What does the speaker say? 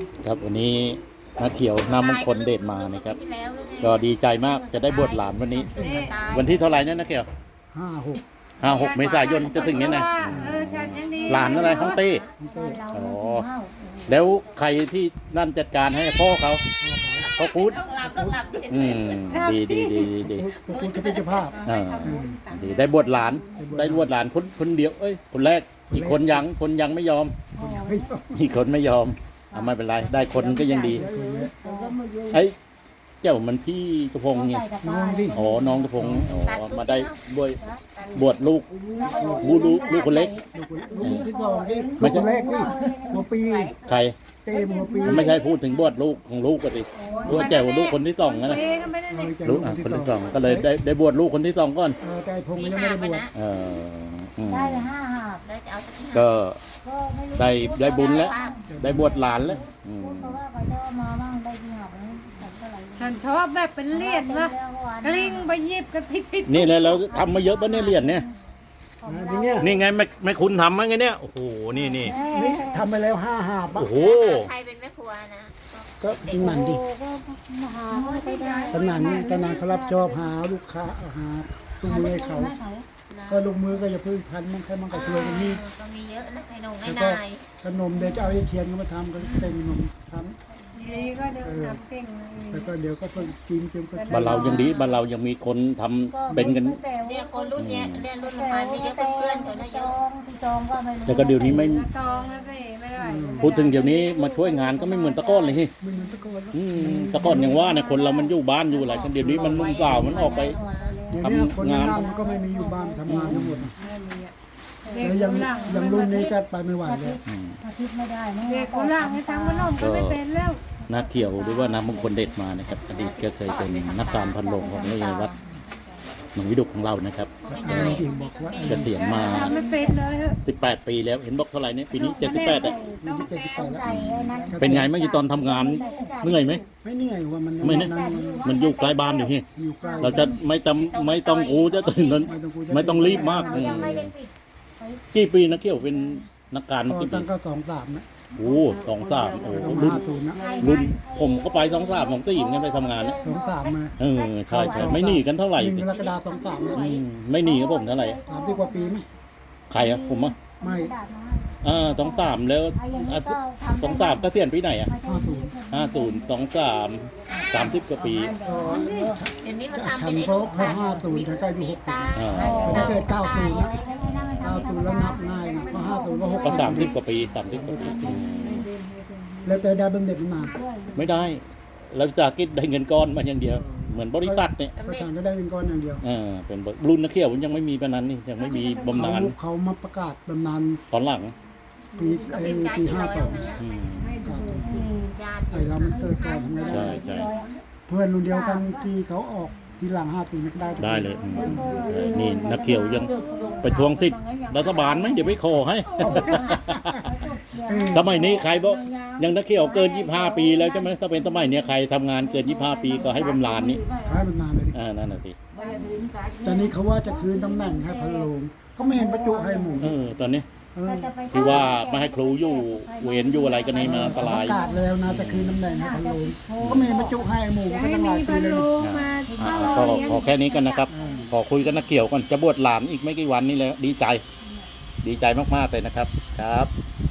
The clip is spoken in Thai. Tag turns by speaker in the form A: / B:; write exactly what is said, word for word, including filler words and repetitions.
A: ครับวันนี้น้าเขียวน้ามงคลเดชมานะครับก็ดีใจมากจะได้บวชหลานวันนี้ วันที่เท่าไหร่เนี่ยน้าเขียว
B: ห้าหก
A: ห้าหกเมษายนจะถึงนี้นะหลานอะไรท้องตีอ๋อแล้วใครที่นั่นจัดการให้พ่อเขาพ่อพูดอืมดีดีดีดีดี
B: ก็คุณจะเป็นเจ้าภาพ
A: อ่าดีได้บวชหลานได้บวชหลานคนคนเดียวเอ้ยคนแรกอีกคนยังคนยังไม่ยอมอีกคนไม่ยอมเอาไม่เป็นไรได้คนก็ยังดีไอ้เจ้ามันพี่กระพงไง
B: น้องที่
A: อ๋อน้องกระพงอ๋อมาได้บวชบวชลูกบูลูกลูกคนเล็ก
B: ลูกที่สองที่ไม่ใช่แรกที่หัวปี
A: ใคร
B: เต็มหัวปี
A: ไม่ใช่พูดถึงบวชลูกของลูกกันดิบวชแจ๋วลูกคนที่สองนะลูกอ่ะคนที่สองก็เลยได้ได้บวชลูกคนที่สองก่อน
B: เออแต่พงยังไม่ได้บวช
A: เออ
C: ได้ห้าหาบ
A: ก็ได้ได้บุญแล้วได้บวชหลานแล้ว
C: ฉันชอบแบบเป็นเลียดนะกลิ้งไปยิบกันพิษพิษ
A: นี่เลยเราทำมาเยอะปะเนี่ยเลียดเนี่ยนี่ไงไม่ไม่คุณทำมั้งไงเนี่ยโอ้โหนี่นี่
B: นี่ทำไปแล้วห้าหาบ
A: โอ้โห
D: ใครเป็นแม่ครัวนะ
B: ก็เป็นมันดิตำนานนี่ตำนานเขารับจอบหาลูกค้าหาตุ้มือเขาก็ลงมือก็อย่าพึ่งทันมันแค่มันก็ช่วยกันนี่
D: ก็มีเยอะนะไอ้นงไอ้นาย
B: ขนมเดี๋ยวจะเอาไอ้เทียนมาทำก็เต็มขนมทำ
C: ดีก็เดี๋ยวทำเก่ง
B: แล้วก็เดี๋ยวก็เพิ่งกินเพิ่งก็
A: บ้านเรายังดีบ้านเรายังมีคนทำเป็นกัน
D: เนี่ยคนรุ่นเนี้ยเรียนรุ่นประมาณนี้เยอะเพื่อนเขาเยอะ
A: แต่ก็เดี๋ยวนี้ไม่
C: จองแล้วสิไม่ได้
A: พูดถึงเดี๋ยวนี้มาช่วยงานก็ไม่เหมือนตะก้อนเลย
B: ไม่เหมือนตะก้อน
A: ตะก้อนอย่างว่าเนี่ยคนเรามันอยู่บ้านอยู่อะไรกันเดี๋ยวนี้มันนุ่งสาวมันออกไป
B: ทำงานมันก็ไม่มีอยู่บ้านทำงานทั้งหมดแล้วยังยังรุ่นนี้ก็ไปไม่ไหวเลย
C: อาทิตย์ไม่ได้เด็กคนล่างให้ทำขนมก็ไม่เป็นแล้ว
A: นักเที่ยวหรือว่าน้ำมงคลเด็ดมานะครับอดีตก็เคยเป็นนักการพันโลงของในวัดหนองวิดุกของเรานะครับเกษียณมาสิบแปดปีแล้วเห็นบอกเท่าไหร่เนี่ยปีนี้เจ็ดสิบแปดอ่ะเป็นไงเมื่อกี้ตอนทำงานเหนื่อยไหม
B: ไม่เหนื่อยว่ามัน
A: ไม่เนี่ยมันอยู่ใกล้บ้านอยู่ที่เราจะไม่จำไม่ต้องกูจะตื่นนั้นไม่ต้องรีบมากกี่ปีนักเที่ยวเป็นนักการ
B: กี่ปีตั้งก็สองสามนะ
A: โอ้สองสามโอ้รุ่นรุ่นผมก็ไปสองสามสองสี่เหมือนกันไปทำงานนะ
B: สองสามมา
A: เออใช่ใช่ไม่หนีกันเท่าไหร่
B: หนึ่งกรกฎาคมสองสาม
A: ไม่หนีกับผมเท่าไหร่
B: สามสิบกว่าปีไหม
A: ใครอะผมอะ
B: ไม่
A: อ่าต้องสามแล้วต้องสามเกษียณปีไหนอะ
B: ห้าศูนย์
A: ห้าศูนย์สองสามสามสิบกว่าปี
D: เดี๋ยวนี้เขาทำ
B: เป็นไอ้พวกห้าศูนย์ถึงใกล้อยู่หกสิบถ้าเกิดเก้าศูนย์เก้าศูนย์แล้วนับง่ายนะเพราะห้าศูนย์ก็หก
A: ก็สามสิบกว่าปีสามสิบกว่าปี
B: แล้วจะได้เป็นเด็กมา
A: ไม่ได้เราวิสาหกิจได้เงินก้อนมาอย่างเดียวเหมือนบริษัทเนี่ย
B: ประธานก็ได้เงินก้อนอย่างเดียว
A: อ่าเป็นรุ่นนักเที่ยวยังไม่มีปนั้นนี่ยังไม่มีบำนาญ
B: เขามาประกาศบำนาญ
A: ตอนหลัง
B: ปีไอ้ปีห้าสองไอ้เรามันเกิดก่อนทำไมได้เพื่อนรุ่นเดียวกันที่เขาออกทีหลังห้าปีได้
A: ได้เลยนี่นักเที่ยวยังไปทวงสิทธิ์รัฐบาลไหมเดี๋ยวไปขอให้สมัยนี้ใครบอกยังนักเที่ยวเกินยี่สิบห้าปีแล้วใช่ไหมถ้าเป็นสมัยนี้ใครทำงานเกินยี่สิบห้าปีก็ให้บำนาญนี่
B: ให้บำนาญเลย
A: อ่านั่นแหละสิ
B: ตอนนี้เขาว่าจะคืนตำแหน่งให้พันโลงเขาไม่เห็นประจุให้หมู่
A: เออตอนนี้ที่ว่าไม่ให้ครูอยู่เวรอยู่อะไรกันนี่มาอันตราย
B: ประกาศแล้วนะจะคืนตำแหน่งให้พันโลงก็ไม่เห็นประจุให้หมู่ก็ต้องหลายปีเลย
A: ก็ขอแค่นี้กันนะครับขอคุยกันนักเกี่ยวก่อนจะบวชหลานอีกไม่กี่วันนี้แล้วดีใจดีใจมากๆเลยนะครับครับ